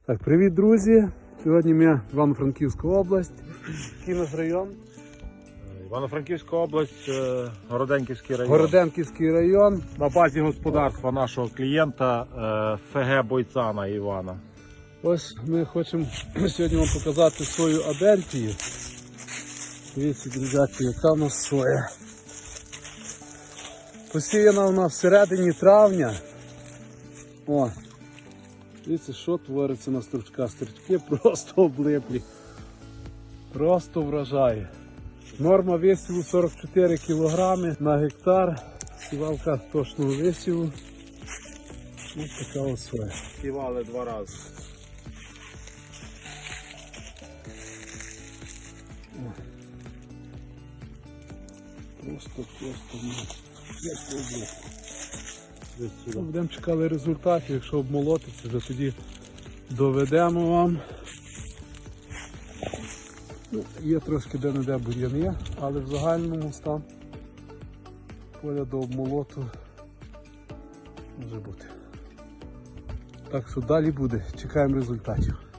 Так, привіт, друзі! Сьогодні ми Івано-Франківська область. Який наш район? Івано-Франківська область, Городенківський район. Городенківський район. На базі господарства нашого клієнта ФГ Бойцана Івана. Ось ми хочемо сьогодні вам показати свою адентію. Дивіться, друзяки, яка в нас соя. Посіяна вона всередині травня. О, дивіться, що твориться на стручках. Стручки просто облиплі. Просто вражає. Норма висіву 44 кг на гектар. Сівалка точного висіву. Ось така ось соя. Сівали 2 рази. Просто будемо чекати результатів, якщо обмолотиться, то тоді доведемо вам. Ну, є трошки де-не-де бур'яни, але в загальному стан поля до обмолоту може бути. Так що далі буде, чекаємо результатів.